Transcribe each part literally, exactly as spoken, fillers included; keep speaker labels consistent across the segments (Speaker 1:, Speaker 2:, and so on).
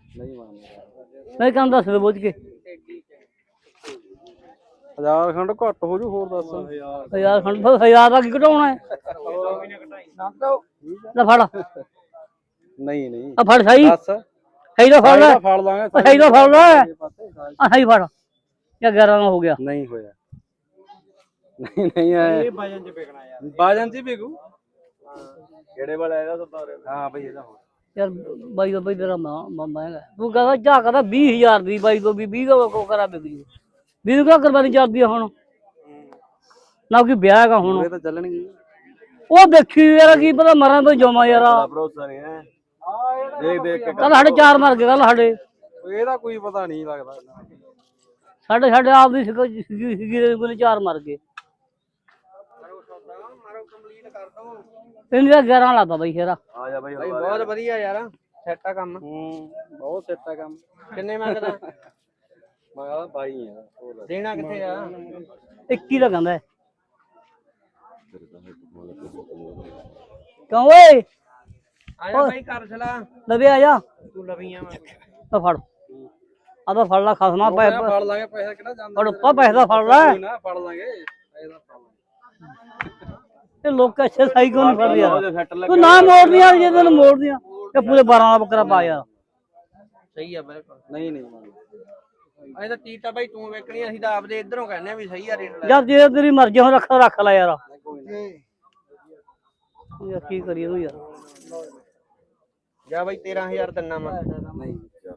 Speaker 1: ਨਹੀਂ ਮੰਨਦਾ
Speaker 2: ਨਹੀਂ ਕੰਮ ਦੱਸ ਦੇ ਬੁੱਝ ਕੇ
Speaker 1: ਹਜ਼ਾਰ ਖੰਡ ਘੱਟ ਹੋ ਜੂ ਹੋਰ ਦੱਸ
Speaker 2: ਹਜ਼ਾਰ ਖੰਡ ਫਿਰ ਹਜ਼ਾਰ ਦਾ ਕੀ ਘਟਾਉਣਾ ਹੈ ਲੈ ਫੜ
Speaker 1: ਨਹੀਂ ਨਹੀਂ
Speaker 2: ਆ ਫੜ ਸਹੀ
Speaker 1: ਦੱਸ
Speaker 2: ਸਹੀ ਦਾ ਫੜ ਲੈ
Speaker 1: ਫੜ ਲਾਂਗੇ
Speaker 2: ਸਹੀ ਦਾ ਫੜ ਲੈ ਆ ਸਹੀ ਫੜ ਜਾਂ ਗਿਆਰਾਂ ਦਾ ਹੋ ਗਿਆ
Speaker 1: ਨਹੀਂ ਹੋਇਆ ਨਹੀਂ ਨਹੀਂ ਆਇਆ ਇਹ ਬਾਜਨ ਚ ਵਿਕਣਾ ਯਾਰ ਬਾਜਨ ਚ ਵਿਕੂ ਕਿਹੜੇ ਵਾਲਾ ਇਹਦਾ ਸੌਦਾ ਹਾਂ ਬਈ ਇਹਦਾ
Speaker 2: ਯਾਰ ਬਾਈ ਦਾ ਬਈ ਤੇਰਾ ਮਹਿੰਗਾ ਤੂੰ ਕਹਿੰਦਾ ਝਾਕ ਦਾ ਵੀਹ ਹਜ਼ਾਰ ਦੀ ਬਾਈ ਤੋਂ ਵੀ ਵੀਹ ਦਾ ਕੋ ਕਰਾ ਵਿਕ ਜੂ ਵੀਹ ਕਿਆ ਕੁਰਬਾਨੀ ਚੱਲਦੀ ਆ ਹੁਣ ਨਾ ਕੋਈ ਵਿਆਹ ਹੈਗਾ ਹੁਣ
Speaker 1: ਇਹ ਤਾਂ ਚੱਲਣਗੇ
Speaker 2: ਉਹ ਦੇਖੀ ਯਾਰ ਕੀ ਪਤਾ ਮਰਾਂ ਤੋਂ ਜਮਾ ਯਾਰ
Speaker 1: ਭਰੋਸਾ ਨਹੀਂ ਹੈ ਦੇਖ ਦੇਖ ਕੇ
Speaker 2: ਕੱਲ ਸਾਡੇ ਚਾਰ ਮਰ ਗਏ ਕੱਲ ਸਾਡੇ
Speaker 1: ਇਹਦਾ ਕੋਈ ਪਤਾ ਨਹੀਂ ਲੱਗਦਾ
Speaker 2: ਸਾਡੇ ਸਾਡੇ ਆਪ ਦੀ ਸੀਗੀ ਸੀਗੀ ਕੋਲ ਚਾਰ ਮਰ ਗਏ ਇਹਨੂੰ ਗਿਆਰਾਂ ਲਾਤਾ ਬਾਈ ਸ਼ੇਰਾ
Speaker 1: ਆ ਜਾ ਬਾਈ ਬਹੁਤ ਵਧੀਆ ਯਾਰ ਸੈੱਟ ਆ ਕੰਮ ਹੂੰ ਬਹੁਤ ਸੈੱਟ ਆ ਕੰਮ ਕਿੰਨੇ ਮੰਗਦਾ ਮੈਂ ਕਹਿੰਦਾ ਬਾਈ ਆ ਦੇਣਾ ਕਿੱਥੇ ਆ
Speaker 2: ਇੱਕੀ ਦਾ ਕਹਿੰਦਾ ਕਿਉਂ ਓਏ
Speaker 1: ਆ ਜਾ ਬਾਈ ਕਰ ਛਲਾ
Speaker 2: ਲਵੇ ਆ ਜਾ
Speaker 1: ਤੂੰ ਲਵੀਆਂ ਮੈਂ
Speaker 2: ਤਾਂ ਫੜ ਆ ਤਾਂ ਫੜ ਲਾ ਖਸਮਾ ਪੈ
Speaker 1: ਫੜ ਲਾਂਗੇ ਪੈਸਾ ਕਿਹੜਾ ਜਾਂਦਾ
Speaker 2: ਫੜ ਪਾ ਪੈਸਾ ਫੜ ਲੈ
Speaker 1: ਨਾ ਫੜ ਲਾਂਗੇ ਪੈਸਾ ਫੜ ਲਾਂਗੇ
Speaker 2: ਇਹ ਲੋਕ ਅੱਛੇ ਸਾਈ ਕਿਉਂ ਨਹੀਂ ਫੜ ਰਿਹਾ ਤੂੰ ਨਾ ਮੋੜਦੀਆਂ ਜੇ ਤੈਨੂੰ ਮੋੜਦੀਆਂ ਇਹ ਪੂਰੇ ਬਾਰਾਂ ਦਾ ਬੱਕਰਾ ਪਾ ਯਾਰ
Speaker 1: ਸਹੀ ਆ ਬਿਲਕੁਲ ਨਹੀਂ ਨਹੀਂ ਇਹ ਤਾਂ ਟੀਟਾ ਬਾਈ ਤੂੰ ਵੇਖਣੀ ਅਸੀਂ ਤਾਂ ਆਪਦੇ ਇਧਰੋਂ ਕਹਿੰਦੇ ਆ ਵੀ ਸਹੀ ਆ ਰੇਟ
Speaker 2: ਯਾਰ ਜੇ ਤੇਰੀ ਮਰਜ਼ੀ ਹੋ ਰੱਖ ਰੱਖ ਲੈ ਯਾਰ ਯਾਰ ਕੀ ਕਰੀਏ ਤੂੰ ਯਾਰ
Speaker 1: ਜਾ ਬਾਈ ਤੇਰਾਂ ਹਜ਼ਾਰ ਦਿਨਾ ਮੈਂ ਨਹੀਂ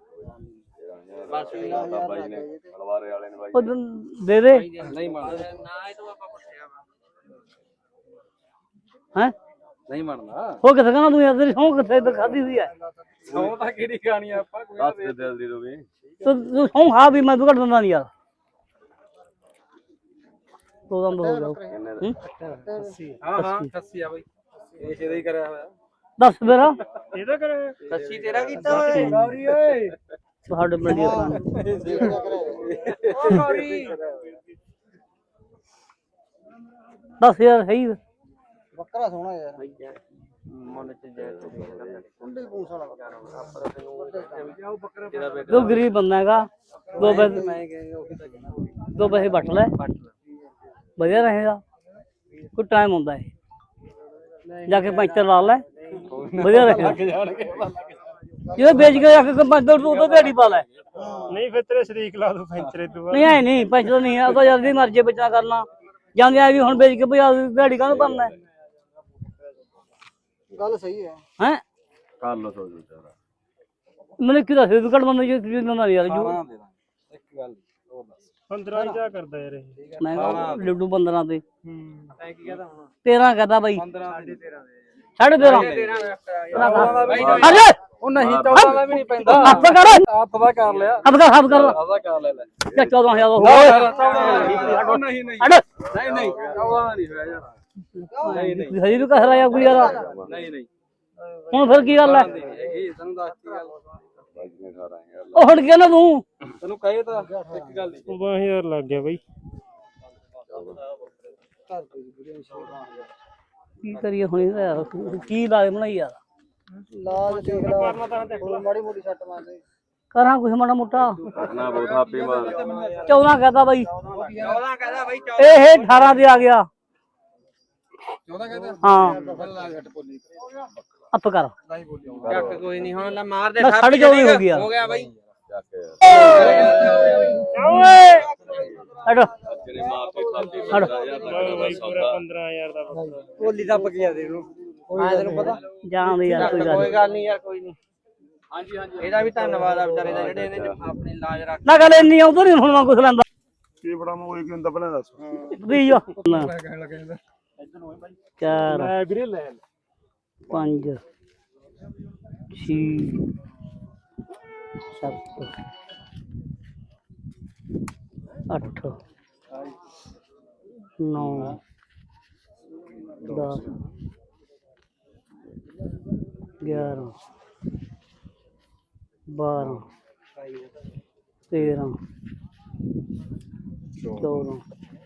Speaker 1: ਬਸ ਬਾਈ ਨੇ ਹਲਵਾਰੇ ਵਾਲੇ ਨੇ ਬਾਈ
Speaker 2: ਦੇ ਦੇ
Speaker 1: ਨਹੀਂ ਮੰਨਦਾ ਨਾ ਇਹ ਤੋਂ ਆਪਾਂ ਪੁੱਛਿਆ
Speaker 2: ਹੈ
Speaker 1: ਨਹੀਂ ਮੰਨਦਾ
Speaker 2: ਉਹ ਕਿੱਥੇ ਕਹਿੰਦਾ ਤੂੰ ਯਾਰ ਤੇਰੀ ਸੌਂ ਕਿੱਥੇ ਤੇ ਖਾਦੀ ਹੋਈ ਹੈ
Speaker 1: ਸੌ ਤਾਂ ਕਿਹੜੀ ਖਾਣੀ ਆਪਾਂ ਕੋਈ ਦੱਸ ਦੇ ਦਿਲ ਦੀ ਰੋਵੇ
Speaker 2: ਤੂੰ ਸੌਂ ਖਾ ਵੀ ਮੈਂ ਤੂੰ ਘੱਟ ਦਿੰਦਾ ਨਹੀਂ ਯਾਰ ਦੋ ਦੰਦ ਹੋ ਗਿਆ
Speaker 1: ਹਾਂ ਹਾਂ ਅੱਸੀ ਆ ਬਾਈ ਇਹ ਜਿਹਦਾ ਹੀ ਕਰਿਆ ਹੋਇਆ
Speaker 2: ਦੱਸ ਮੇਰਾ
Speaker 1: ਇਹਦਾ ਕਰਿਆ ਅੱਸੀ ਤੇਰਾ ਕੀਤਾ ਓਏ ਗੌਰੀ ਓਏ
Speaker 2: ਤੁਹਾਡੇ ਪਿੰਡ ਦੀ
Speaker 1: ਓ ਗੌਰੀ
Speaker 2: ਦੱਸ ਯਾਰ ਸਹੀ
Speaker 1: ਬੱਕਰਾ ਸੋਹਣਾ ਯਾਰ ਮਨ ਚ ਜੈ ਕੁੰਡੇ ਪੂੰਛ ਵਾਲਾ ਆਪਾਂ ਤੈਨੂੰ ਬੱਕਰਾ
Speaker 2: ਤੂੰ ਗਰੀਬ ਬੰਦਾ ਹੈਗਾ ਦੋ ਪੈਸੇ
Speaker 1: ਮੈਂ ਕਹਿੰਦਾ ਉਹੀ ਤਾਂ ਕਹਿਣਾ
Speaker 2: ਦੋ ਪੈਸੇ ਵੱਟ ਲੈ ਵਧੀਆ ਰਹੇਗਾ ਕੋਈ ਟਾਈਮ ਹੁੰਦਾ ਹੈ ਜਾ ਕੇ ਪੈਂਚਰ ਲਾ ਲੈ ਵਧੀਆ ਰਹੇਗਾ ਜੇ ਵੇਚ ਕੇ ਜਾ ਕੇ ਪੈਂਚਰ ਤੂੰ ਤਾਂ ਦਿਹਾੜੀ ਪਾ ਲੈ
Speaker 1: ਨਹੀਂ ਫਿਰ ਤੇਰੇ ਸ਼ਰੀਕ ਲਾ ਦੂ ਪੈਂਚਰੇ ਤੂੰ
Speaker 2: ਨਹੀਂ ਐ ਨਹੀਂ ਪੈਂਚਰ ਨਹੀਂ ਆ ਤਾਂ ਜਲਦੀ ਮਰਜ਼ੀ ਬਚਾ ਕਰਨਾ ਜਾਂਦੇ ਆ ਵੀ ਹੁਣ ਵੇਚ ਕੇ ਭਜਾ ਦਿਹਾੜੀ ਕਾਹਨੂੰ ਬਣਨਾ
Speaker 1: ਗੱਲ ਸਹੀ ਹੈ
Speaker 2: ਹੈ
Speaker 1: ਕਰ ਲੋ ਸੋ ਵਿਚਾਰਾ
Speaker 2: ਮੈਨੂੰ ਕੀ ਦੱਸ ਤੂੰ ਘੱਟ ਬੰਦਾ ਜੇ ਦਿੰਦਾ ਯਾਰ ਜੂ
Speaker 1: ਇੱਕ ਗੱਲ ਹੋਰ ਦੱਸ ਪੰਦਰਾਂ ਕੀ ਕਰਦਾ ਯਾਰ ਇਹ
Speaker 2: ਮੈਂ ਲੱਡੂ ਪੰਦਰਾਂ ਤੇ
Speaker 1: ਹੂੰ ਐ ਕੀ ਕਹਦਾ ਹੁਣ
Speaker 2: ਤੇਰਾਂ ਕਹਦਾ ਬਾਈ
Speaker 1: ਪੰਦਰਾਂ ਸਾਢੇ ਤੇਰਾਂ
Speaker 2: ਸਾਢੇ ਤੇਰਾਂ ਅਰੇ
Speaker 1: ਉਹ ਨਹੀਂ ਚੌਦਾਂ ਦਾ ਵੀ ਨਹੀਂ ਪੈਂਦਾ
Speaker 2: ਹੱਥ ਕਰ
Speaker 1: ਹੱਥ ਦਾ ਕਰ ਲਿਆ
Speaker 2: ਹੱਥ ਕਰ ਹੱਥ ਕਰ
Speaker 1: ਹੱਥ ਦਾ ਕਰ ਲੈ ਲੈ
Speaker 2: ਜਾਂ ਚੌਦਾਂ ਹਜ਼ਾਰ ਹੋ
Speaker 1: ਨਹੀਂ ਨਹੀਂ
Speaker 2: ਹਟ
Speaker 1: ਨਹੀਂ ਨਹੀਂ ਚੌਦਾਂ ਦਾ ਨਹੀਂ ਹੋਇਆ ਯਾਰ ਨਹੀਂ ਨਹੀਂ
Speaker 2: ਹਜੇ ਵੀ ਕਹਿ ਰਿਹਾ ਕੋਈ ਯਾਰ
Speaker 1: ਨਹੀਂ ਨਹੀਂ
Speaker 2: ਹੁਣ ਫਿਰ ਕੀ ਗੱਲ ਹੈ
Speaker 1: ਇਹ ਤੈਨੂੰ ਦੱਸਤੀ ਗੱਲ
Speaker 2: ਉਹ ਹਟ ਗਿਆ ਨਾ ਤੂੰ
Speaker 1: ਤੈਨੂੰ ਕਹੇ ਤਾਂ ਇੱਕ ਗੱਲ ਨਹੀਂ
Speaker 3: ਬਾਰਾਂ ਹਜ਼ਾਰ ਲੱਗ ਗਿਆ ਬਾਈ
Speaker 2: ਕੀ ਕਰੀਏ ਹੁਣ ਯਾਰ ਕੀ ਲਾਜ ਬਣਾਈ ਯਾਰ
Speaker 1: ਲਾਜ ਦੇਖ ਲਾ ਮਾੜੀ ਮੋਟੀ ਸੱਟ ਮਾਰਦੇ
Speaker 2: ਕਰਾਂ ਕੁਛ ਮਾੜਾ ਮੋਟਾ
Speaker 1: ਨਾ ਬਹੁਤ ਹਾਪੀ ਮਾਰ
Speaker 2: ਚੌਦਾਂ ਕਹਦਾ ਬਾਈ
Speaker 1: ਚੌਦਾਂ ਕਹਦਾ ਬਾਈ
Speaker 2: ਇਹ ਅਠਾਰਾਂ ਤੇ ਆ ਗਿਆ
Speaker 1: ਚੌਦਾਂ ਕਹਦਾ
Speaker 2: ਹਾਂ
Speaker 1: ਘੱਟ ਬੋਲੀ
Speaker 2: ਅੱਪ ਕਰ
Speaker 1: ਚੱਕ ਕੋਈ ਨਹੀਂ ਹੁਣ ਲੈ ਮਾਰ ਦੇ
Speaker 2: ਸਾਢੇ ਚੌਵੀ ਹੋ ਗਿਆ
Speaker 1: ਹੋ ਗਿਆ ਬਾਈ
Speaker 2: ਓਏ ਹਟ
Speaker 1: ਤੇਰੇ ਮਾਂ ਤੇ ਖਾਤੇ
Speaker 2: ਹਟ
Speaker 3: ਬਾਈ ਪੂਰਾ ਪੰਦਰਾਂ ਹਜ਼ਾਰ ਦਾ
Speaker 1: ਬੋਲੀ ਦੱਬ ਗਿਆ ਦੇ ਨੂੰ ਹਾਂ ਤੈਨੂੰ ਪਤਾ
Speaker 2: ਜਾਣ ਦੇ ਯਾਰ ਕੋਈ ਗੱਲ
Speaker 1: ਕੋਈ ਗੱਲ ਨਹੀਂ ਯਾਰ ਕੋਈ ਨਹੀਂ ਹਾਂਜੀ ਹਾਂਜੀ ਇਹਦਾ ਵੀ ਧੰਨਵਾਦ ਆ ਵਿਚਾਰੇ ਦਾ ਜਿਹੜੇ ਇਹਨੇ ਆਪਣੀ ਲਾਜ ਰੱਖ
Speaker 2: ਨਾ ਗੱਲ ਇੰਨੀ ਆਉਂਦਾ ਨਹੀਂ ਹੁਣ ਮੈਂ ਕੁਛ ਲੈਂਦਾ
Speaker 3: ਕੀ ਬੜਾ ਮੈਂ ਉਹੀ ਕਿੰਦਾ ਪਹਿਲਾਂ ਦੱਸ
Speaker 2: ਵੀ ਜੋ
Speaker 1: ਕਹਿਣ ਲੱਗੇ ਇਹਦਾ
Speaker 2: ਚਾਰ
Speaker 3: ਮੈਂ ਵੀਰੇ ਲੈ
Speaker 2: ਪੰਜ ਛੇ ਸੱਤ ਅੱਠ ਨੌ ਦਸ ਗਿਆਰਾਂ ਬਾਰਾਂ ਤੇਰਾਂ ਚੌਦਾਂ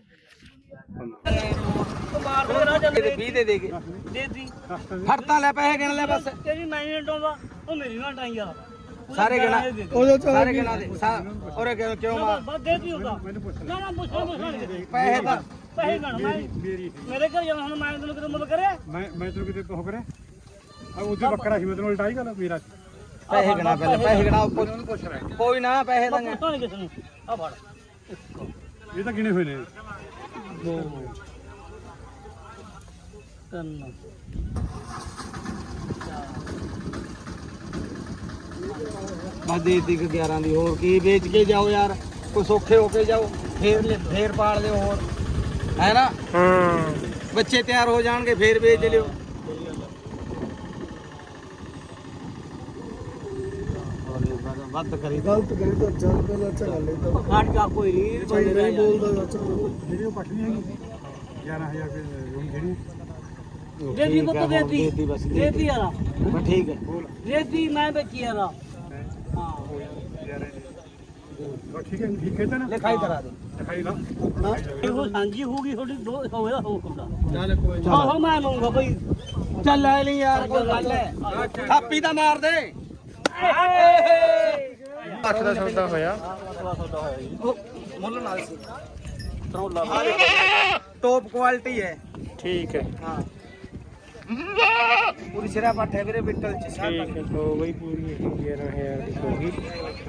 Speaker 1: ਵੀਹ ਦੇ ਦੇ ਕੇ
Speaker 2: ਦੇ ਦੀ
Speaker 1: ਫੜਤਾ ਲੈ ਪੈਸੇ ਗਿਣ ਲੈ ਬਸ
Speaker 2: ਤੇਰੀ ਮੈਂ ਨਹੀਂ ਟਾਉਂਦਾ ਉਹ ਮੇਰੀ ਨਾ ਟਾਈ ਆ
Speaker 1: ਸਾਰੇ ਗਿਣਾ ਉਹ ਸਾਰੇ ਗਿਣਾ ਦੇ ਔਰੇ ਕਿਉਂ ਕਿਉਂ ਮਾਰ
Speaker 2: ਬਸ ਦੇ ਦੀ ਉਹਦਾ ਨਾ ਨਾ ਪੁੱਛ ਪੁੱਛ
Speaker 1: ਪੈਸੇ ਤਾਂ
Speaker 2: ਪੈਸੇ ਗਣ ਮੈਂ ਮੇਰੇ ਘਰ ਜਾਣਾ ਹੁਣ ਮੈਂ ਤੈਨੂੰ ਕਿਤੇ ਮਦਦ ਕਰਿਆ
Speaker 3: ਮੈਂ ਮੈਂ ਤੈਨੂੰ ਕਿਤੇ ਉਹ ਕਰੇ ਆ ਉਹਦੇ ਬੱਕਰਾ ਸੀ ਮੈਂ ਤੈਨੂੰ ਉਲਟਾ ਹੀ ਗੱਲ ਮੇਰਾ
Speaker 1: ਪੈਸੇ ਗਿਣਾ ਪਹਿਲੇ ਪੈਸੇ ਗਿਣਾ ਪੁੱਛ ਰਿਹਾ ਕੋਈ ਨਾ ਪੈਸੇ ਤਾਂ
Speaker 2: ਪੁੱਛਾਂ ਨਹੀਂ ਕਿਸੇ ਨੂੰ ਆ ਫੜ
Speaker 3: ਇਹ ਤਾਂ ਗਿਣੇ ਹੋਏ ਨੇ
Speaker 2: ਦੋ ਤਿੰਨ
Speaker 1: ਬਸ ਦੇ ਦਿੱਤੀ ਗਿਆਰਾਂ ਦੀ ਹੋਰ ਕੀ ਵੇਚ ਕੇ ਜਾਓ ਯਾਰ ਕੋਈ ਸੌਖੇ ਹੋ ਕੇ ਜਾਓ ਫੇਰ ਲਿ- ਫੇਰ ਪਾਲ ਲਿਓ ਹੋਰ ਹੈ ਨਾ
Speaker 3: ਹਾਂ
Speaker 1: ਬੱਚੇ ਤਿਆਰ ਹੋ ਜਾਣਗੇ ਫੇਰ ਵੇਚ ਲਿਓ ਵੱਧ ਕਰੀ
Speaker 4: ਗਲਤ ਕਰੀ ਤਾਂ ਚੱਲ ਪਹਿਲਾਂ ਝਗੜ ਲਈ ਤਾਂ
Speaker 2: ਫੜ ਜਾ ਕੋਈ ਨਹੀਂ
Speaker 4: ਭਾਈ ਨਹੀਂ ਬੋਲਦਾ ਚਾਚਾ
Speaker 3: ਜਿਹੜੀ ਉਹ ਪੱਟ ਨਹੀਂ ਹੈਗੀ ਗਿਆਰਾਂ ਹਜ਼ਾਰ ਰੁਪਏ ਰੂਮ ਜਿਹੜੀ
Speaker 2: ਦੇਤੀ ਪੁੱਤ ਦੇਤੀ
Speaker 1: ਦੇਤੀ ਬਸ ਦੇਤੀ।
Speaker 2: ਦੇਤੀ ਯਾਰ
Speaker 1: ਬਸ ਠੀਕ ਹੈ
Speaker 2: ਦੇਤੀ ਮੈਂ ਬੱਚੀ ਯਾਰ ਹਾਂ
Speaker 3: ਉਹ ਠੀਕ ਹੈ ਠੀਕ ਹੈ ਤਾਂ ਨਾ
Speaker 1: ਲਿਖਾਈ ਕਰਾ ਦੇ
Speaker 3: ਦਿਖਾਈ ਲਾ
Speaker 2: ਇਹੋ ਸਾਂਝੀ ਹੋਊਗੀ ਤੁਹਾਡੀ ਦੋ ਹੋਵੇਗਾ ਹੋ ਹੁੰਦਾ
Speaker 1: ਚੱਲ ਕੋਈ
Speaker 2: ਆਹੋ ਮੈਂ ਲਊਂਗਾ ਬਈ
Speaker 1: ਚੱਲ ਲੈ ਲਈ ਯਾਰ ਕੋਈ ਗੱਲ ਹੈ ਥਾਪੀ ਤਾਂ ਮਾਰ ਦੇ
Speaker 3: ਅੱਠ ਦਾ ਸੌਦਾ ਹੋਇਆ
Speaker 1: ਮੁੱਲ ਨਾਲ ਸੀ ਟੌਪ ਕੁਆਲਿਟੀ ਹੈ
Speaker 3: ਠੀਕ ਹੈ
Speaker 1: ਹਾਂ ਪੂਰੀ ਸਿਰਾ ਪੱਠ ਹੈ ਵੀਰੇ ਬਿੱਟਲ ਚ ਸਾਰਾ
Speaker 3: ਠੀਕ ਹੈ ਲੋ ਬਈ ਪੂਰੀ ਗਿਆਰਾਂ ਹਜ਼ਾਰ ਦੀ ਹੋ ਗਈ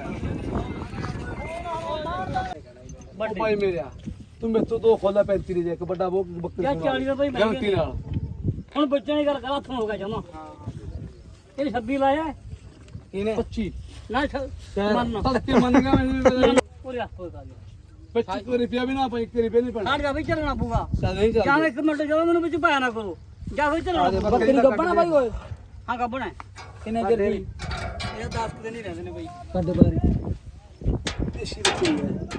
Speaker 1: ਭਾਈ ਮੇਰਿਆ ਤੂੰ ਮੇਰੇ ਤੋਂ ਦੋ ਖੋਲਾ ਪੈਂਤੀ ਦੇ ਇੱਕ ਵੱਡਾ ਉਹ ਬੱਕਰੀ
Speaker 2: ਯਾਰ ਚਾਲੀ ਰੁਪਏ ਮੈਂ
Speaker 1: ਗਲਤੀ ਨਾਲ
Speaker 2: ਹੁਣ ਬੱਚਿਆਂ ਦੀ ਗੱਲ ਕਰ ਹੱਥੋਂ ਹੋ ਗਿਆ ਜਮਾ ਇਹ ਛੱਬੀ ਲਾਇਆ ਹੈ?
Speaker 1: ਇਹਨੇ ਪੱਚੀ
Speaker 2: ਨਾ ਮੰਨ
Speaker 1: ਤੜਕੇ ਮੰਨ ਗਿਆ ਮੈਂ
Speaker 2: ਪੂਰੇ ਹੱਥ ਹੋਗਾ
Speaker 1: ਪੱਚੀ ਰੁਪਿਆ ਵੀ ਨਾ ਪਈ ਇੱਕ ਰੁਪਿਆ ਨਹੀਂ ਪੈਣਾ
Speaker 2: ਛੱਡ ਜਾ ਵੀ ਚੱਲਣਾ ਪਊਗਾ
Speaker 1: ਚੱਲ ਨਹੀਂ
Speaker 2: ਜਾਂ
Speaker 1: ਚੱਲ
Speaker 2: ਇੱਕ ਮਿੰਟ ਜਦੋਂ ਮੈਨੂੰ ਵਿੱਚ ਪਾਇਆ ਨਾ ਕਰੋ ਜਾਂ ਫਿਰ ਚੱਲਣਾ
Speaker 1: ਬੱਕਰੀ ਗੱਬਣਾ ਬਾਈ ਓਏ
Speaker 2: ਹਾਂ ਗੱਬਣਾ ਹੈ
Speaker 1: ਕਿੰਨੇ ਚਿਰ ਦੀ
Speaker 2: ਇਹ ਦਸ ਦਿਨ ਹੀ ਰਹਿੰਦੇ ਨੇ ਬਈ
Speaker 1: ਕੱਢ ਬਾਰੀ ਦੇਸੀ ਬੱਕਰੀ ਹੈ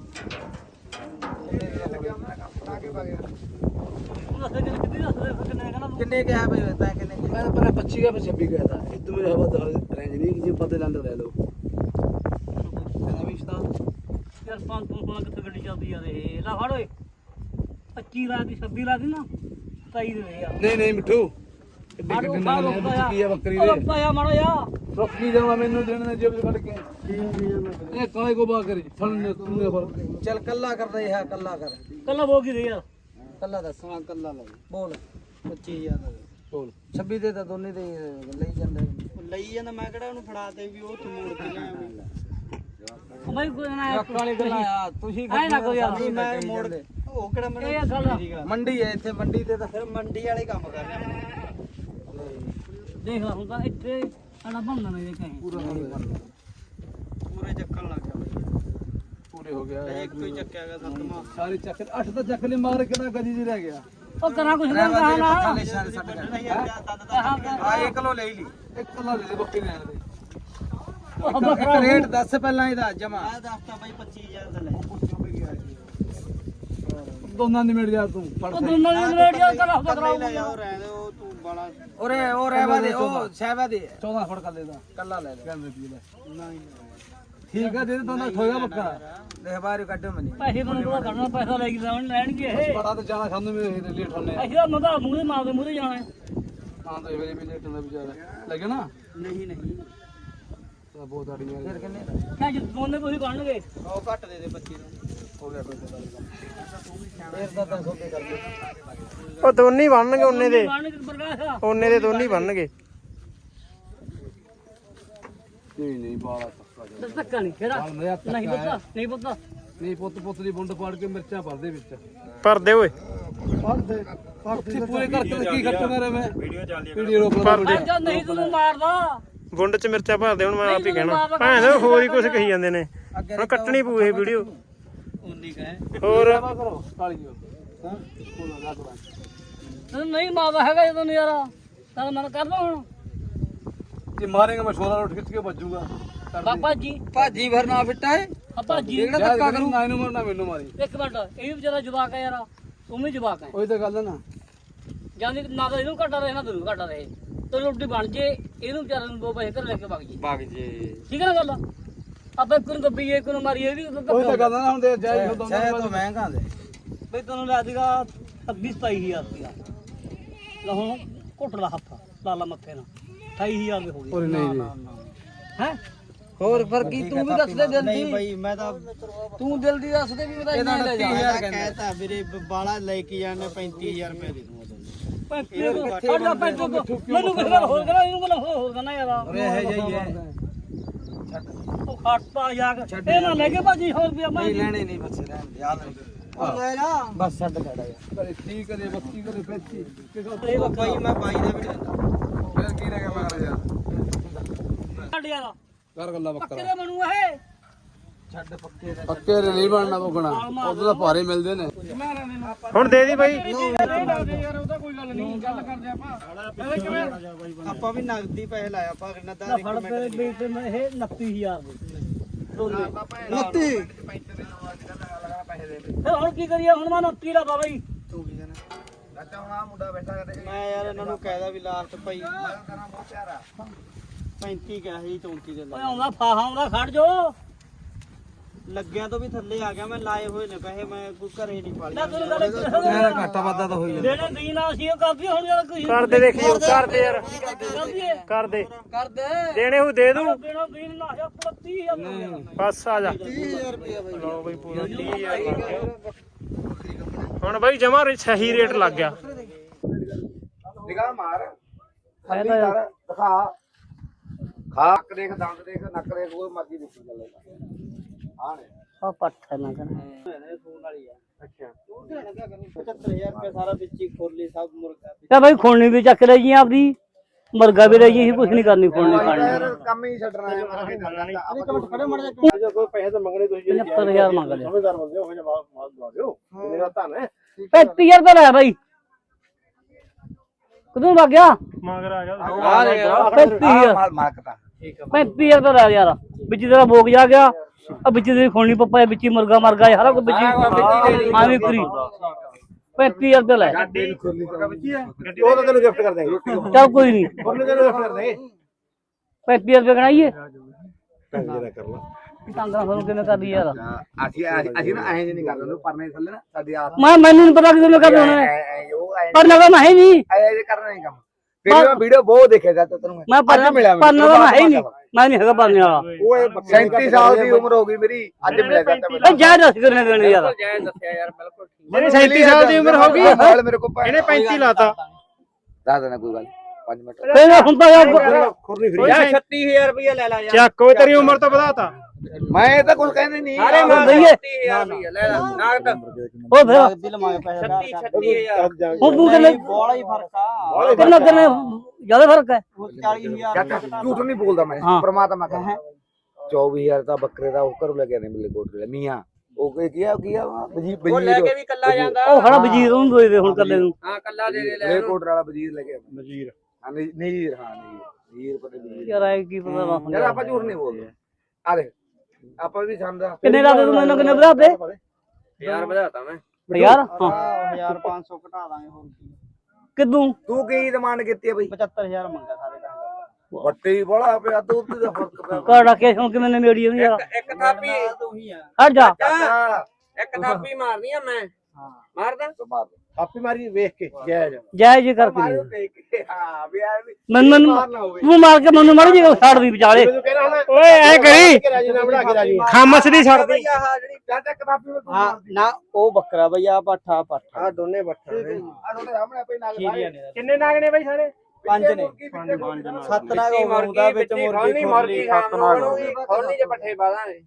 Speaker 2: ਉਹ ਦੱਸ ਕਿੰਨੇ ਕਿੰਨੇ ਦੱਸ ਦੇ ਕਿੰਨੇ ਕਹਿੰਦਾ ਤੂੰ
Speaker 1: ਕਿੰਨੇ ਕਿਹਾ ਬਈ ਤਾਂ ਕਿੰਨੇ ਮੈਂ ਤਾਂ ਪਹਿਲਾਂ ਪੱਚੀ का छब्बीस गया था इधर मुझे हवा रेंज नहीं कि पता लंड ले लो ਕਹਿੰਦਾ ਵੀ ਇਸਦਾ
Speaker 2: ਯਾਰ ਪੰਜ ਪੰਜ ਪੰਜ ਕਿੱਥੇ ਗੱਡੀ ਚੱਲਦੀ ਯਾਰ ਇਹ ਲਾ ਫੜ ਓਏ ਪੱਚੀ ਲਾ ਦੀ ਛੱਬੀ ਲਾ ਦੀ ਨਾ ਸਤਾਈ ਦੇ ਯਾਰ
Speaker 1: ਨਹੀਂ ਨਹੀਂ ਮਿੱਠੂ ਕਿੱਡੀ
Speaker 2: ਆੜੋ
Speaker 1: ਕਿੱਡੀ
Speaker 2: ਖਾ
Speaker 1: ਨਾਲ
Speaker 2: ਰੋਕਦਾ
Speaker 1: ਹੈ ਕੀ ਹੈ ਬੱਕਰੀ
Speaker 2: ਉਹ
Speaker 1: ਦੇ
Speaker 2: ਰੋਕਦਾ ਯਾਰ ਮਾੜਾ ਯਾਰ
Speaker 1: ਰੁੱਕੀ ਜਾਵਾ ਮੈਨੂੰ ਦੇਣ ਦੇ ਜੇਬ ਚ ਕੱਢ ਕੇ ਇਹ ਕਾਲੇ ਕੋ ਬਾ ਕਰੀ ਫੜਨੇ ਤੁੰਨੇ ਫੜ ਚੱਲ ਕੱਲਾ ਕਰਦਾ ਇਹ ਕੱਲਾ ਕਰ
Speaker 2: ਕੱਲਾ ਬੋਗੀ ਦੇ ਯਾਰ
Speaker 1: ਕੱਲਾ ਦੱਸ ਹਾਂ ਕੱਲਾ ਲੈ ਬੋਲ ਪੱਚੀ ਹਜ਼ਾਰ ਦਾ ਬੋਲ ਛੱਬੀ ਦੇ ਤਾਂ ਦੋਨੇ ਦੇ ਲਈ ਜਾਂਦਾ ਲਈ ਜਾਂਦਾ ਮੈਂ ਕਿਹੜਾ ਉਹਨੂੰ ਫੜਾ ਤੇ ਵੀ ਉਹ ਤੂੰ ਮੋੜ ਕੇ ਲਿਆ
Speaker 2: ਮੈਂ ਕੋਈ ਨਾ
Speaker 1: ਟਰੱਕ ਵਾਲੀ ਗੱਲਾਂ ਆ ਤੁਸੀਂ
Speaker 2: ਐ ਨਾ ਕੋਈ ਯਾਰ
Speaker 1: ਮੈਂ ਮੋੜ ਉਹ ਕਿਹੜਾ ਮੈਨੂੰ
Speaker 2: ਇਹ ਗੱਲ
Speaker 1: ਮੰਡੀ ਹੈ ਇੱਥੇ ਮੰਡੀ ਤੇ ਤਾਂ ਫਿਰ ਮੰਡੀ ਵਾਲੇ ਕੰਮ ਕਰ ਰਹੇ
Speaker 2: ਦੇਖ ਲਾ ਹੁਣ ਤਾਂ ਇੱਥੇ ਆਣਾ ਬੰਨਣਾ ਨਹੀਂ ਕਹੀਂ
Speaker 1: ਪੂਰਾ ਪੂਰੇ ਚੱਕਣ ਲੱਗ ਗਿਆ ਪੂਰੇ ਹੋ ਗਿਆ ਇੱਕ ਤੋਂ ਹੀ ਚੱਕਿਆ ਗਿਆ ਸੱਤਵਾਂ ਸਾਰੇ ਚੱਕ ਅੱਠ ਤਾਂ ਚੱਕ ਲਈ ਮਾਰ ਕਿਹੜਾ ਗਲੀ ਜੀ ਰਹਿ ਗਿਆ
Speaker 2: ਉਹ ਕਰਾਂ ਕੁਛ ਨਾ ਕਹਾ ਨਾ
Speaker 1: ਆ ਇੱਕ ਕਿਲੋ ਲੈ ਲਈ ਇੱਕ ਕਿਲੋ ਲੈ ਲਈ ਬੱਕਰੀ ਲੈਣ ਦੇ
Speaker 2: ਉਹ ਬੱਕਰਾ
Speaker 1: ਰੇਟ ਦੱਸ ਪਹਿਲਾਂ ਇਹਦਾ ਜਮਾ ਆ ਦੱਸਤਾ ਬਾਈ ਪੱਚੀ ਹਜ਼ਾਰ ਦਾ ਲੈ ਦੋਨਾਂ ਦੀ ਮਿਲ ਜਾ ਤੂੰ ਫੜ
Speaker 2: ਉਹ ਦੋਨਾਂ ਦੀ ਰੇਟ ਯਾਰ ਕਰਾ ਬੱਕਰਾ
Speaker 1: ਉਹ ਤੂੰ ਬਾਲਾ ਓਰੇ ਉਹ ਰਹਿਵਾ ਦੇ ਉਹ ਸਹਿਬਾ ਦੇ ਚੌਦਾਂ ਫੜ ਕਰ ਦੇ ਦਾ ਕੱਲਾ ਲੈ ਲੈ ਨਹੀਂ ਠੀਕ ਆ ਦੇ ਦੇ ਦੋਨਾਂ ਠੋਗਾ ਬੱਕਰਾ ਦੇਖ ਬਾਹਰ ਕੱਢੋ ਮਨੀ
Speaker 2: ਪੈਸੇ ਮੈਨੂੰ ਪਤਾ ਕਰਨਾ ਪੈਸਾ ਲੈ ਕੇ ਜਾਣ ਲੈਣਗੇ ਇਹ
Speaker 1: ਬੜਾ ਤਾਂ ਜਾਣਾ ਖਾਂਦੇ ਮੇਰੇ ਲੇਟ ਹੋਣੇ
Speaker 2: ਅਸੀਂ ਤਾਂ ਮਦਾ ਮੂਹਰੇ ਮਾਰਦੇ ਮੂਹਰੇ ਜਾਣਾ ਹੈ
Speaker 1: ਹਾਂ ਤਾਂ ਵੇਲੇ ਵੀ ਲੇਟ ਹੁੰਦਾ ਵਿਚਾਰਾ ਲੱਗੇ ਨਾ ਨਹੀਂ ਨਹੀਂ ਤਾਂ ਬਹੁਤ ਆੜੀਆਂ ਫਿਰ ਕਿੰਨੇ
Speaker 2: ਕਿਆ ਜੇ ਦੋਨੇ ਕੋਈ ਬਣਨਗੇ
Speaker 1: ਉਹ ਘੱਟ ਦੇ ਦੇ ਪੱਚੀ ਨੂੰ ਹੋ ਗਿਆ ਕੋਈ ਫਿਰ ਦਾ ਤਾਂ ਸੋਕੇ ਕਰ ਦੇ
Speaker 3: ਉਹ ਦੋਨੇ ਬਣਨਗੇ ਉਹਨੇ ਦੇ
Speaker 2: ਬਣਨਗੇ ਪ੍ਰਕਾਸ਼
Speaker 3: ਉਹਨੇ ਦੇ ਦੋਨੇ ਬਣਨਗੇ
Speaker 1: ਨਹੀਂ ਨਹੀਂ ਬਾਲਾ
Speaker 2: ਦੱਸ ਧੱਕਾ ਨਹੀਂ ਕਿਹੜਾ ਨਹੀਂ ਪਤਾ ਨਹੀਂ ਪਤਾ
Speaker 1: ਨਹੀਂ ਪੁੱਤ ਪੁੱਤ ਦੀ ਬੁੰਡ ਪਾੜ ਕੇ ਮਿਰਚਾਂ ਭਰਦੇ ਵਿੱਚ
Speaker 3: ਭਰਦੇ ਓਏ
Speaker 1: ਉੱਥੇ ਪੂਰੇ ਕਰਕੇ ਕੀ ਖੱਟੂਗਾ ਰੇ ਮੈਂ ਵੀਡੀਓ ਚੱਲਦੀ ਹੈ ਵੀਡੀਓ ਰੋਕ ਲਾ
Speaker 2: ਅੱਜ ਨਹੀਂ ਤੈਨੂੰ ਮਾਰਦਾ
Speaker 3: ਗੁੰਡ ਚ ਮਿਰਚਾਂ ਭਰਦੇ ਹੁਣ ਮੈਂ ਆਪ ਹੀ ਕਹਿਣਾ ਭੈਣ ਦੇ ਹੋਰ ਹੀ ਕੁਝ ਕਹੀ ਜਾਂਦੇ ਨੇ ਹੁਣ ਕੱਟਣੀ ਪਊ ਇਹ ਵੀਡੀਓ
Speaker 2: ਉਨੀ ਕਹੇ
Speaker 3: ਹੋਰ
Speaker 1: ਕਰੋ ਕਾਲੀ ਜੀ ਹਾਂ
Speaker 2: ਤੈਨੂੰ ਨਹੀਂ ਮਾਰਦਾ ਹੈਗਾ ਜਦੋਂ ਨਜ਼ਾਰਾ ਤਾਂ ਮਨ ਕਰਦਾ ਹੁਣ
Speaker 1: ਜੇ ਮਾਰੇਗਾ ਮੈਂ ਛੋਲਾ ਰੋਟ ਖਿੱਚ ਕੇ ਵੱਜੂਗਾ
Speaker 2: ਬਾਬਾ ਜੀ
Speaker 1: ਭਾਜੀ ਭਰ ਨਾ ਫਿੱਟਾ ਹੈ
Speaker 2: ਬਾਬਾ ਜੀ
Speaker 1: ਜਿਹੜਾ ਧੱਕਾ ਕਰੂ ਨਾ ਇਹਨੂੰ ਮਾਰਨਾ ਮੈਨੂੰ ਮਾਰੀ
Speaker 2: ਇੱਕ ਮਿੰਟ ਇਹ ਵੀ ਵਿਚਾਰਾ ਜਵਾਕ ਹੈ ਯਾਰ ਤੂੰ ਵੀ ਜਵਾਕ ਹੈ
Speaker 1: ਉਹੀ ਤਾਂ ਗੱਲ ਹੈ ਨਾ
Speaker 2: ਜਾਂਦੀ ਨਾ ਤਾਂ ਇਹਨੂੰ ਘਟਾ ਰਹੇ ਨਾ ਤੈਨੂੰ ਘਟਾ ਰਹੇ ਤੇ ਰੋਟੀ ਬਣ ਜੇ ਇਹਨੂੰ ਵਿਚਾਰੇ ਨੂੰ ਦੋ ਪੈਸੇ ਘਰ ਲੈ ਕੇ ਵਗ ਜੀ
Speaker 1: ਵਗ ਜੇ
Speaker 2: ਠੀਕ ਹੈ ਨਾ ਗੱਲ ਆਪਾਂ ਇੱਕ ਨੂੰ ਗੱਬੀਏ ਇੱਕ ਨੂੰ ਮਾਰੀਏ ਇਹ ਵੀ
Speaker 1: ਉਹੀ ਤਾਂ ਗੱਲ ਹੈ ਨਾ ਹੁਣ ਤੇ ਜਾਈ ਹੁੰਦਾ ਸ਼ਾਇਦ ਤਾਂ ਮਹਿੰਗਾ ਦੇ
Speaker 2: ਬਈ ਤੈਨੂੰ ਲੈ ਦੇਗਾ ਛੱਬੀ ਸਤਾਈ ਹਜ਼ਾਰ ਰੁਪਇਆ ਲੈ ਹੁਣ ਘੁੱਟ ਲਾ ਹੱਥ ਲਾ ਲਾ ਮੱਥੇ ਨਾਲ ਅਠਾਈ ਹਜ਼ਾਰ ਦੇ ਹੋ ਗਏ
Speaker 1: ਨਹੀਂ ਜੀ
Speaker 2: ਹੈ ਹੋਰ ਫਿਰ ਕੀ ਤੂੰ ਵੀ ਦੱਸ ਦੇ ਦਿਲ ਦੀ
Speaker 1: ਨਹੀਂ ਬਾਈ ਮੈਂ ਤਾਂ
Speaker 2: ਤੂੰ ਦਿਲ ਦੀ ਦੱਸ ਦੇ ਵੀ ਮੈਂ ਤਾਂ ਇੰਨਾ ਲੈ ਜਾ
Speaker 1: ਮੈਂ ਕਹਿਤਾ ਵੀਰੇ ਬਾਲਾ ਲੈ ਕੇ ਜਾਣੇ ਪੈਂਤੀ ਹਜ਼ਾਰ ਰੁਪਏ ਦੇ ਦੂੰਗਾ
Speaker 2: ਮੈਨੂੰ ਕਿਸੇ ਨਾਲ ਹੋਰ ਕਰਾ ਇਹਨੂੰ ਬਲਾ ਹੋਰ ਕਰਨਾ ਯਾਰ
Speaker 1: ਓਏ ਇਹ ਜਾਈ ਹੈ
Speaker 2: ਉਹ ਖੱਟਾ ਯਾਰ ਇਹ ਨਾ ਲੈ ਕੇ ਭਾਜੀ ਹੋਰ ਰੁਪਿਆ ਮੈਂ
Speaker 1: ਨਹੀਂ ਲੈਣੇ ਨਹੀਂ ਬੱਚੇ ਰਹਿਣ ਦੇ, ਯਾਦ ਨਹੀਂ
Speaker 2: ਲੈ ਜਾ
Speaker 1: ਬਸ ਛੱਡ ਖੜਾ ਯਾਰ ਠੀਕ ਕਰੇ ਬੱਤੀ ਕਰੇ ਪੈਂਤੀ ਇਹ ਬਾਈ ਮੈਂ ਬਾਈ ਦਾ ਵੀ ਲੈਂਦਾ ਫਿਰ ਕੀ ਰਹਿ ਗਿਆ ਮਗਰ ਯਾਰ
Speaker 2: ਛੱਡ ਯਾਰ
Speaker 1: ਕਰ ਗੱਲਾਂ
Speaker 2: ਪੱਕੇ ਦੇ ਬਣੂ ਇਹ
Speaker 1: ਛੱਡ ਪੱਕੇ ਦਾ
Speaker 4: ਪੱਕੇ ਦੇ ਨਹੀਂ ਬਣਨਾ ਪਕਣਾ ਉਦੋਂ ਤਾਂ ਭਾਰੇ ਮਿਲਦੇ ਨੇ
Speaker 3: ਹੁਣ ਦੇ ਦੀ ਬਾਈ
Speaker 2: ਯਾਰ ਉਹਦਾ ਕੋਈ ਗੱਲ ਨਹੀਂ ਗੱਲ ਕਰਦੇ ਆਪਾਂ
Speaker 1: ਆਪਾਂ ਵੀ ਨਗਦੀ ਪੈਸੇ ਲਾਇਆ ਆਪਾਂ ਕਿੰਨਾ ਦਾ
Speaker 2: ਨਾ ਫੜ ਤੇ ਬੇਟ ਮੈਂ ਇਹ ਉਨੱਤੀ ਹਜ਼ਾਰ ਦੇ
Speaker 1: ਨੱਤੀ
Speaker 2: ਫਿਰ ਹੁਣ ਕੀ ਕਰੀਏ ਹੁਣ ਮੈਂ ਉਨੱਤੀ ਦਾ ਬਾਬਾ
Speaker 1: ਤੂੰ ਕੀ ਜਾਣਾ ਅੱਛਾ ਹੁਣ ਆ ਮੁੰਡਾ ਬੈਠਾ ਕਰੇ ਮੈਂ ਯਾਰ ਇਹਨਾਂ ਨੂੰ ਕਹਿਦਾ ਵੀ ਲਾਲਚ ਭਾਈ ਮੈਂ ਕਰਾਂ ਬਹੁਤ ਪਿਆਰਾ ਪੈਂਤੀ ਕਿਹਾ ਸੀ ਚੌਂਤੀ ਦੇ
Speaker 2: ਓਏ
Speaker 1: ਲਾ
Speaker 2: ਆਉਂਦਾ ਫਾਹਾ ਆਉਂਦਾ ਖੜ ਜੋ
Speaker 1: ਲੱਗਿਆ ਤੋਂ ਵੀ ਥੱਲੇ ਆ ਗਿਆ ਮੈਂ ਲਾਏ ਹੋਏ ਨੇ ਪੈਸੇ ਮੈਂ ਕੋਈ ਘਰੇ ਨਹੀਂ ਪਾਲੀ
Speaker 2: ਨਾ ਤੈਨੂੰ ਗੱਲ
Speaker 1: ਮੇਰਾ ਘਾਟਾ ਵਾਧਾ ਤਾਂ ਹੋਈ ਜਾਂਦਾ
Speaker 2: ਦੇਣੇ ਦੀਨ ਆ ਸੀ ਉਹ ਕਰਦੀ ਹੁਣ ਯਾਰ ਕੋਈ
Speaker 3: ਕਰਦੇ ਦੇਖੀ ਕਰਦੇ ਯਾਰ
Speaker 2: ਕਰਦੀ ਏ
Speaker 3: ਕਰਦੇ
Speaker 2: ਕਰ ਦੇ
Speaker 3: ਦੇਣੇ ਹੋ ਦੇ ਦੂੰ
Speaker 2: ਦੇਣਾ ਦੀਨ ਨਾ ਆ ਪੱਤੀ ਹਜ਼ਾਰ
Speaker 3: ਬਸ ਆ ਜਾ
Speaker 1: ਤੀਹ ਹਜ਼ਾਰ ਰੁਪਏ ਬਾਈ
Speaker 3: ਲਓ ਬਈ ਪੂਰਾ ਤੀਹ ਹਜ਼ਾਰ ਲੱਗ ਗਿਆ ਹੁਣ ਬਾਈ ਜਮਾ ਸਹੀ ਰੇਟ ਲੱਗ ਗਿਆ
Speaker 5: ਨਿਗਾਹ ਮਾਰ
Speaker 2: ਫਾਇਦਾ ਯਾਰ
Speaker 5: ਦਿਖਾ ਖਾ ਕੇ ਦੇਖ ਦੰਦ ਦੇਖ ਨੱਕ ਦੇਖ ਉਹ ਮਰਜ਼ੀ ਦੇਖੀ ਚੱਲੇ ਹਾਂ ਨੇ
Speaker 2: ਆ ਪੱਠ ਹੈ ਨਾ ਕਰ
Speaker 1: ਫੋਨ ਵਾਲੀ ਆ ਅੱਛਾ ਤੂੰ ਦੇਣਾ ਕਿਆ ਕਰਨੀ ਪਚੱਤਰ ਹਜ਼ਾਰ ਰੁਪਏ ਸਾਰਾ ਵਿੱਚ ਹੀ ਖੋਲੀ ਸਭ ਮੁਰਗਾ
Speaker 2: ਤੇ ਭਾਈ ਖੋਣੀ ਵੀ ਚੱਕ ਲਈ ਜੀ ਆਪਦੀ ਮੁਰਗਾ ਵੀ ਰਹੀ ਕੁਝ ਨਹੀਂ ਕਰਨੀ ਖੋਣੀ
Speaker 5: ਯਾਰ ਕੰਮ ਹੀ ਛੱਡਣਾ ਹੈ ਮੈਂ ਕੀ ਕਰਨਾ ਨਹੀਂ
Speaker 1: ਇੱਕ ਮਿੰਟ ਖੜੇ ਮੜ ਜਾ
Speaker 5: ਜੇ ਕੋਈ ਪੈਸੇ ਤਾਂ ਮੰਗਣੇ ਤੁਸੀਂ
Speaker 2: ਪਚੱਤਰ ਹਜ਼ਾਰ ਮੰਗ ਲਿਆ
Speaker 5: ਸਮਝਦਾਰ ਬੰਦੇ ਹੋ ਜਾਂ ਮਾਲ ਦਵਾ ਦਿਓ ਮੇਰਾ ਧੰਨ ਹੈ
Speaker 2: ਪੈਂਤੀ ਹਜ਼ਾਰ ਦਾ ਲੈ ਭਾਈ ਕਦੋਂ ਲੱਗ ਗਿਆ
Speaker 3: ਮਗਰ ਆ ਗਿਆ
Speaker 1: ਆ ਲੈ ਯਾਰ
Speaker 2: ਪੈਂਤੀ ਹਜ਼ਾਰ
Speaker 5: ਮਾਲ ਮਾਰਕਤਾ
Speaker 2: ਪੈਂਤੀ ਹਜ਼ਾਰ ਦਾ ਲੈ ਯਾਰ ਵਿੱਚ ਤੇਰਾ ਭੋਗ ਜਾ ਗਿਆ ਆ ਵਿੱਚ ਤੇਰੀ ਖੋਣੀ ਪੱਪਾ ਵਿੱਚ ਹੀ ਮੁਰਗਾ ਮਰ ਗਿਆ ਸਾਰਾ ਕੁਝ ਵਿੱਚ ਹੀ ਆਵੀਂ ਕਰੀ ਪੈਂਤੀ ਹਜ਼ਾਰ ਦਾ ਲੈ
Speaker 5: ਉਹ ਤਾਂ ਤੈਨੂੰ ਗਿਫਟ ਕਰ ਦੇਂਗੇ
Speaker 2: ਚੱਲ ਕੋਈ ਨਹੀਂ
Speaker 5: ਉਹਨੇ ਤੈਨੂੰ ਗਿਫਟ ਕਰ ਦੇਂਗੇ
Speaker 2: ਪੈਂਤੀ ਹਜ਼ਾਰ ਰੁਪਏ ਗਣਾਈਏ
Speaker 5: ਪੈਸੇ ਦਾ ਕਰ ਲਾ
Speaker 2: ਟਾਂਗਾ ਸਾਨੂੰ ਕਿਵੇਂ ਕਰਦੀ ਯਾਰ
Speaker 5: ਅਸੀਂ ਅਸੀਂ ਨਾ ਐਂ ਨਹੀਂ ਕਰਦੇ ਉਹਨੂੰ ਪਰਨੇ ਥੱਲੇ ਨਾ ਸਾਡੀ ਆਪ
Speaker 2: ਮੈਂ ਮੈਨੂੰ ਨਹੀਂ ਪਤਾ ਕਿਵੇਂ ਕਰਦੇ ਹੋਣੇ
Speaker 5: ਉਹ ਐਂ
Speaker 2: ਪਰ ਨਗਾ ਮੈਂ ਹੈ ਨਹੀਂ
Speaker 5: ਐਂ ਕਰਨਾ ਨਹੀਂ ਕੰਮ ਵੀਡੀਓ ਵੀਡੀਓ ਬਹੁਤ ਦੇਖਿਆ ਜਾਂਦਾ ਤੈਨੂੰ
Speaker 2: ਮੈਂ ਪਰ ਪਰ ਨਗਾ ਮੈਂ ਹੈ ਨਹੀਂ ਮੈਂ ਨਹੀਂ ਹੈਗਾ ਪਰਨੇ ਵਾਲਾ
Speaker 5: ਉਹ ਸੈਂਤੀ ਸਾਲ ਦੀ ਉਮਰ ਹੋ ਗਈ ਮੇਰੀ ਅੱਜ ਮਿਲਿਆ ਜਾਂਦਾ ਮੈਨੂੰ
Speaker 2: ਇਹ ਜਾਇ ਦੱਸ ਕਰਨੇ ਦੇਣੇ ਯਾਰ
Speaker 3: ਜਿਹੜੀ ਸੈਂਤੀ ਸਾਲ ਦੀ ਉਮਰ ਹੋ ਗਈ
Speaker 5: ਨਾਲ ਮੇਰੇ ਕੋਲ
Speaker 3: ਇਹਨੇ ਪੈਂਤੀ ਲਾਤਾ
Speaker 5: ਦੱਸ ਦੇਣਾ ਕੋਈ ਗੱਲ ਪੰਜ ਮਿੰਟ
Speaker 2: ਫੇਰ ਹੁੰਦਾ ਯਾਰ
Speaker 5: ਖੁਰਨੀ ਫਰੀ
Speaker 1: ਯਾਰ ਛੱਤੀ ਹਜ਼ਾਰ ਰੁਪਏ ਲੈ ਲਾ ਯਾਰ
Speaker 3: ਚੱਕ ਓਏ ਤੇਰੀ ਉਮਰ ਤਾਂ ਵਧਾਤਾ
Speaker 5: ਮੈਂ ਤਾਂ ਕੁਝ ਕਹਿੰਦੇ ਨਹੀਂ
Speaker 2: ਅਰੇ ਮੈਂ ਦਈਏ
Speaker 1: ਲੈ ਲਾ ਨਾਗਦ
Speaker 2: ਉਹ ਫੇਰ
Speaker 1: ਦਿਲ ਮਾਗੇ ਪੈਸੇ ਛੱਤੀ ਛੱਤੀ ਹਜ਼ਾਰ
Speaker 2: ਹੁਣ ਤੂੰ ਕਿੰਨੇ
Speaker 1: ਬੋਲਾ ਹੀ ਫਰਕ ਆ
Speaker 2: ਕਿੰਨਾ ਕਿੰਨੇ ਜ਼ਿਆਦਾ ਫਰਕ ਹੈ
Speaker 1: ਚਾਲੀ ਹਜ਼ਾਰ
Speaker 5: ਝੂਠ ਨਹੀਂ ਬੋਲਦਾ ਮੈਂ
Speaker 2: ਹਾਂ।
Speaker 5: ਪ੍ਰਮਾਤਮਾ ਕਹੇ ਚੌਵੀ ਹਜ਼ਾਰ ਤਾਂ ਬੱਕਰੇ ਦਾ ਉਹ ਘਰੋਂ ਲੈ ਕੇ ਆਨੇ ਮਿਲੇ ਕੋਟ ਲੈ ਮੀਆਂ ਉਹ ਕੀ ਕੀਆ ਕੀਆ ਵਜੀਰ
Speaker 1: ਉਹ ਲੈ ਕੇ
Speaker 5: ਵਜੀਰ
Speaker 1: ਵੀ ਕੱਲਾ ਜਾਂਦਾ
Speaker 2: ਉਹ ਖੜਾ ਵਜ਼ੀਰ ਉਹਨੂੰ ਦੇ ਦੇ ਹੁਣ ਕੱਲੇ ਨੂੰ
Speaker 1: ਹਾਂ ਕੱਲਾ ਦੇ ਦੇ ਲੈ
Speaker 5: ਲੈ ਕੋਟ ਵਾਲਾ ਵਜੀਰ ਲੈ ਕੇ ਵਜੀਰ ਹਾਂ ਨਜ਼ੀਰ ਹਾਂ ਨਜ਼ੀਰ ਨਜ਼ੀਰ ਪਤਾ ਵਜੀਰ
Speaker 2: ਯਾਰ ਐ ਕੀ ਪਤਾ ਵਾ
Speaker 5: ਯਾਰ ਆਪਾਂ ਝੂਠ ਨਹੀਂ ਬੋਲਦੇ ਆ ਦੇਖ ਆਪਾਂ ਵੀ ਸਮਝਦਾ
Speaker 2: ਕਿੰਨੇ ਲਾ ਦੇ ਤੂੰ ਮੈਨੂੰ ਕਿੰਨੇ ਵਧਾ ਦੇ
Speaker 1: ਹਜ਼ਾਰ ਵਧਾਤਾ ਮੈਂ
Speaker 2: ਯਾਰ ਹਾਂ
Speaker 1: ਹਜ਼ਾਰ ਪੰਜ ਸੌ ਘਟਾ ਦਾਂਗੇ ਹੋਰ ਕੀ
Speaker 2: ਕਿਦੋਂ
Speaker 5: ਤੂੰ ਕੀ ਡਿਮਾਂਡ ਕੀਤੀ ਹੈ ਬਈ
Speaker 1: ਪਚੱਤਰ ਹਜ਼ਾਰ ਮੰਗਾ ਸਾਰੇ ਦਾ
Speaker 5: ਵੱਟੇ ਹੀ ਬੜਾ ਪਿਆ ਤੂੰ ਤੇ ਦਾ ਫਰਕ ਪਿਆ
Speaker 2: ਕਾੜਾ ਕੇ ਹੁਣ ਕਿਵੇਂ ਨੇ ਮੇੜੀ ਉਹਦੀ ਯਾਰ
Speaker 1: ਇੱਕ ਥਾਪੀ ਤੂੰ ਹੀ ਆ
Speaker 2: ਹਟ ਜਾ
Speaker 5: ਚਾਚਾ
Speaker 1: ਇੱਕ ਥਾਪੀ ਮਾਰਨੀ ਆ ਮੈਂ ਹਾਂ ਮਾਰਦਾ
Speaker 5: ਮਾਰ ਆਪੀ ਮਾਰੀ ਵੇਖ ਕੇ ਜੈ ਜੈ
Speaker 2: ਜੈ ਜੀ ਕਰਕੇ ਦੇ।
Speaker 5: ਦੇਖ ਕੇ ਹਾਂ ਵੀ ਯਾਰ
Speaker 2: ਮੈਨੂੰ ਤੂੰ ਮਾਰ ਕੇ ਮੈਨੂੰ ਮਾਰ ਜੀ ਛੱਡ ਦੀ ਵਿਚਾਲੇ
Speaker 3: ਓਏ ਐ ਕਰੀ
Speaker 5: ਰਾਜੀ ਨਾ ਬਣਾ ਕੇ ਰਾਜੀ
Speaker 3: ਖਾਮਸ ਦੀ ਛੱਡ ਦੀ
Speaker 5: ਚਾਚਾ ਕਿਤਾਬੀ ਵਿੱਚ
Speaker 1: ਹਾਂ ਨਾ ਉਹ ਬੱਕਰਾ ਬਈ ਆ ਪੱਠਾ ਪੱਠਾ
Speaker 5: ਆ ਦੋਨੇ ਬੱਠਾ ਨੇ ਆ ਦੋਨੇ ਸਾਹਮਣੇ ਆਪੇ ਨਾਲ
Speaker 1: ਖੀਰੀਆਂ ਨੇ
Speaker 3: ਕਿੰਨੇ ਨਾਗ ਨੇ ਬਾਈ ਸਾਰੇ
Speaker 1: ਪੰਜ ਨੇ ਸੱਤ ਨਾਗ ਹੋਊਗਾ ਵਿੱਚ ਮੁਰਗੀ ਖੋਲੀ ਸੱਤ ਨਾਗ
Speaker 5: ਖੋਲਣੀ ਜੇ ਪੱਠੇ ਪਾ ਦਾਂਗੇ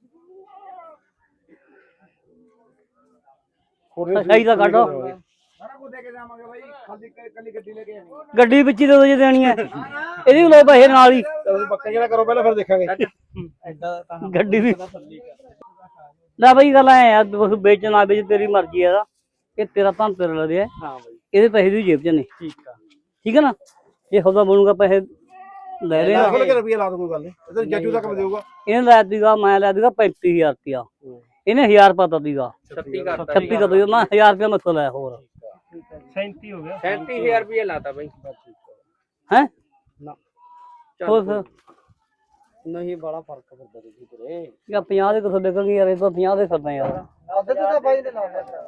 Speaker 2: ਸਹੀ ਤਾਂ ਕੱਢੋ
Speaker 5: ਸਾਰਾ ਕੁਝ ਦੇ ਕੇ ਜਾਵਾਂਗੇ ਬਾਈ ਖਾਲੀ ਕੱਲੀ ਗੱਡੀ ਲੈ ਕੇ ਆਣੀ
Speaker 2: ਗੱਡੀ ਵਿੱਚ ਹੀ ਦੇ ਦੋ ਜੇ ਦੇਣੀ ਹੈ ਇਹਦੀ ਵੀ ਲੋ ਪੈਸੇ ਨਾਲ ਹੀ
Speaker 5: ਤੁਸੀਂ ਪੱਕੇ ਜਿਹੜਾ ਕਰੋ ਪਹਿਲਾਂ ਫਿਰ ਦੇਖਾਂਗੇ
Speaker 1: ਐਡਾ ਤਾਂ
Speaker 2: ਗੱਡੀ ਵੀ ਲੈ ਬਈ ਗੱਲ ਐ ਯਾਰ ਤੂੰ ਵੇਚ ਨਾ ਵੇਚ ਤੇਰੀ ਮਰਜ਼ੀ ਹੈ ਦਾ ਇਹ ਤੇਰਾ ਤਾਂ ਤੇਰੇ ਲਦੇ ਹੈ
Speaker 1: ਹਾਂ ਬਈ
Speaker 2: ਇਹਦੇ ਪੈਸੇ ਦੀ ਜੇਬ ਚ ਨੇ
Speaker 1: ਠੀਕ ਆ
Speaker 2: ਠੀਕ ਹੈ ਨਾ ਇਹ ਹੌਦਾ ਬਣੂਗਾ ਪੈਸੇ ਲੈ ਰਹੇ
Speaker 5: ਖੋਲ ਕੇ ਰੁਪਈਆ ਲਾ ਦੋ ਕੋਈ ਗੱਲ ਨਹੀਂ ਇਹ ਤਾਂ ਜੱਜੂ ਤੱਕ ਦੇਊਗਾ
Speaker 2: ਇਹਨੇ ਲੈ ਦੀਗਾ ਮੈਂ ਲੈ ਦੀਗਾ ਪੈਂਤੀ ਹਜ਼ਾਰ ਰੁਪਇਆ ਇਹਨੇ ਹਜ਼ਾਰ ਪਤਾ ਦੀਗਾ
Speaker 1: ਛੱਤੀ ਕਰ
Speaker 2: ਛੱਤੀ ਦਾ ਦੋ ਮੈਂ ਹਜ਼ਾਰ ਰੁਪਇਆ ਮੈਥੋਂ ਲੈ ਹੋਰ
Speaker 3: ਸੈਂਤੀ ਹੋ ਗਿਆ
Speaker 1: ਸੈਂਤੀ ਹਜ਼ਾਰ ਰੁਪਏ ਲਾਤਾ ਬਈ
Speaker 2: ਹੈ
Speaker 1: ਨਾ
Speaker 2: ਹੋਰ ਫਿਰ
Speaker 1: ਨਹੀਂ ਬੜਾ ਫਰਕ ਪੈਂਦਾ ਜੀ ਤੇਰੇ
Speaker 2: ਯਾ ਪੰਜਾਹ ਦੇ ਕਿਥੋਂ ਡਿੱਗਣਗੇ ਯਾਰ ਇਹ ਤਾਂ ਪੰਜਾਹ ਦੇ ਫਿਰਦਾ ਯਾਰ
Speaker 1: ਅੱਧੇ ਤਾਂ ਬਾਈ ਨੇ ਲਾ ਲਿਆ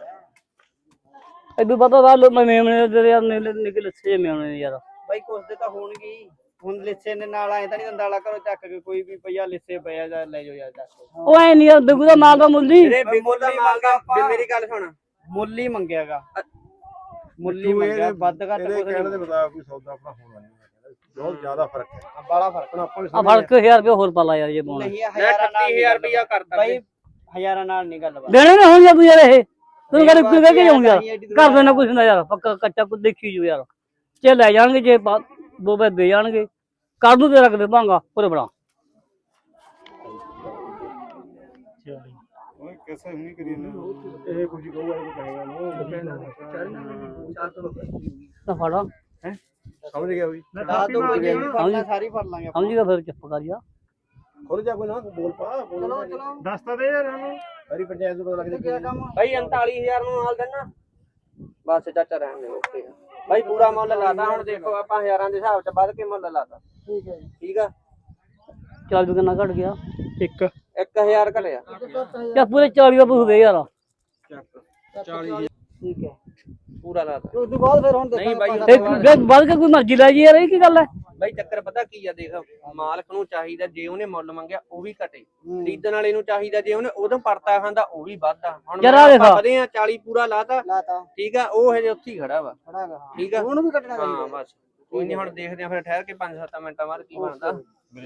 Speaker 2: ਇਦੋਂ ਪਤਾ ਵਾ ਲੋ ਮੈਂ ਮੇਮਣੇ ਦੇ ਯਾਰ ਨਿਕਲ ਨਿਕਲ ਲੱਛੇ ਮੇਮਣੇ ਯਾਰ
Speaker 1: ਬਾਈ ਕੁਛ ਦੇ ਤਾਂ ਹੋਣਗੇ ਹੀ ਹੁਣ ਲਿੱਸੇ ਦੇ ਨਾਲ ਆਏ ਤਾਂ ਨਹੀਂ ਦੰਦਾਲਾ ਕਰੋ ਚੱਕ ਕੇ ਕੋਈ ਵੀ ਪਈਆ ਲਿੱਸੇ ਪਿਆ ਜਾਂ ਲੈ ਜਾਓ ਯਾਰ ਚੱਕ
Speaker 2: ਉਹ ਐ ਨਹੀਂ ਬਿਗੂ ਦਾ ਮਾਲ ਦਾ ਮੁੱਲੀ
Speaker 1: ਵੀਰੇ ਮੁੱਲ ਦਾ ਮਾਲ ਦਾ ਮੇਰੀ ਗੱਲ ਸੁਣ ਮੁੱਲ ਹੀ ਮੰਗਿਆਗਾ ਮੁੱਲ ਹੀ ਮੰਗਿਆ ਵੱਧ ਘੱਟ ਕੁਝ
Speaker 6: ਕਹਿਣ ਦੇ ਮੁਤਾਬਕ ਕੋਈ ਸੌਦਾ ਆਪਣਾ ਹੋਣਾ ਨਹੀਂ ਬਹੁਤ ਜ਼ਿਆਦਾ ਫਰਕ ਹੈ
Speaker 1: ਬੜਾ ਫਰਕ
Speaker 6: ਆਪਾਂ
Speaker 2: ਆ ਫਰਕ ਹਜ਼ਾਰ ਰੁਪਏ ਹੋਰ ਪਾ ਲਾ ਯਾਰ ਜੇ ਪਾਉਣਾ
Speaker 1: ਨਹੀਂ ਹਜ਼ਾਰਾਂ ਨਾਲ ਰੁਪਇਆ ਕਰਦਾ ਬਾਈ ਹਜ਼ਾਰਾਂ ਨਾਲ ਨਹੀਂ ਗੱਲ ਬਾਤ
Speaker 2: ਦੇਣੇ ਨਾ ਹੁਣ ਤੂੰ ਯਾਰ ਇਹ ਤੂੰ ਕਹਿੰਦਾ ਕੋਈ ਕਹਿ ਕੇ ਜਾਉਂ ਯਾਰ ਕਰ ਦੇਣਾ ਕੁਛ ਨਾ ਯਾਰ ਪੱਕਾ ਕੱਚਾ ਕੁ ਦੇਖੀ ਜੂ ਯਾਰ ਜੇ ਲੈ ਜਾਣਗੇ ਜੇ ਦੋ ਬੈ ਦੇ ਜਾਣਗੇ ਕਰ ਦੂ ਤੇਰਾ ਕਿਤੇ ਭਾਂਗਾ ਪੂਰੇ ਬੜਾ
Speaker 6: ਓਏ ਕਿਸੇ ਨਹੀਂ ਕਰੀ ਇਹ ਕੁਝ ਕਹੂਗਾ ਇਹ ਕਹੇਗਾ
Speaker 2: ਤਾਂ ਫੜਾ
Speaker 6: ਹੈ ਸਮਝ ਗਿਆ ਵੀ
Speaker 1: ਦੱਸ ਦੋ ਕੋਈ ਨਹੀਂ ਫੜਨਾ ਸਾਰੀ ਫੜ ਲਾਂਗੇ
Speaker 2: ਸਮਝ ਗਿਆ ਫਿਰ ਚੁੱਪ ਕਰ ਜਾ
Speaker 6: ਖੁੱਲ ਜਾ ਕੋਈ ਨਾ ਬੋਲ ਪਾ ਚਲੋ ਚਲੋ ਦੱਸ ਤਾਂ ਦੇ ਯਾਰ ਉਹਨੂੰ ਸਾਰੀ ਪੰਚਾਇਤ ਨੂੰ ਪਤਾ ਲੱਗ ਜਾ
Speaker 1: ਬਾਈ ਉਨਤਾਲੀ ਹਜ਼ਾਰ ਨੂੰ ਮਾਲ ਦੇਣਾ ਬਸ ਚਾਚਾ ਰਹਿਣ ਦੇ ਓਕੇ ਬਾਈ ਪੂਰਾ ਮੁੱਲ ਲਾਤਾ ਹੁਣ ਦੇਖੋ ਆਪਾਂ ਹਜ਼ਾਰਾਂ ਦੇ ਹਿਸਾਬ ਚ ਵੱਧ ਕੇ ਮੁੱਲ ਲਾਤਾ ਠੀਕ ਹੈ ਠੀਕ ਆ
Speaker 2: ਚੱਲ ਵੀ ਕਿੰਨਾ ਘਟ ਗਿਆ
Speaker 3: ਇੱਕ
Speaker 1: ਇੱਕ ਹਜ਼ਾਰ ਘਲਿਆ
Speaker 2: ਜਾਂ ਪੂਰੇ ਚਾਲੀ ਦਾ ਪੁੱਛ ਦੇ ਯਾਰ
Speaker 1: ਚਾਲੀ ਠੀਕ ਹੈ ਪੂਰਾ ਲਾਤਾ ਉਸ ਤੋਂ ਬਾਅਦ ਫਿਰ ਹੁਣ ਨਹੀਂ ਬਾਈ
Speaker 2: ਇੱਕ ਵੱਧ ਕੇ ਕੋਈ ਮਰਜ਼ੀ ਲੈ ਜੀ ਯਾਰ ਇਹ ਕੀ ਗੱਲ ਹੈ
Speaker 1: ਬਾਈ ਚੱਕਰ ਪਤਾ ਕੀ ਆ ਦੇਖ ਮਾਲਕ ਨੂੰ ਚਾਹੀਦਾ ਜੇ ਉਹਨੇ ਮੁੱਲ ਮੰਗਿਆ ਉਹ ਵੀ ਘਟੇ ਖਰੀਦਣ ਵਾਲੇ ਨੂੰ ਚਾਹੀਦਾ ਜੇ ਉਹਨੇ ਉਦੋਂ ਪਰਤਾ ਖਾਂਦਾ ਉਹ ਵੀ ਵੱਧਦਾ ਹੁਣ ਆਪਾਂ ਵਧੇ ਆ ਚਾਲੀ ਪੂਰਾ ਲਾਤਾ ਠੀਕ ਆ ਉਹ ਹਜੇ ਉੱਥੇ ਹੀ ਖੜਾ ਵਾ ਠੀਕ ਆ ਉਹਨੂੰ ਵੀ ਘਟਣਾ ਹਾਂ ਬਸ ਕੋਈ ਨਹੀਂ ਹੁਣ ਦੇਖਦੇ ਆ ਫਿਰ ਠਹਿਰ ਕੇ ਪੰਜ ਸੱਤ ਮਿੰਟਾਂ ਬਾਅਦ ਕੀ ਬਣਦਾ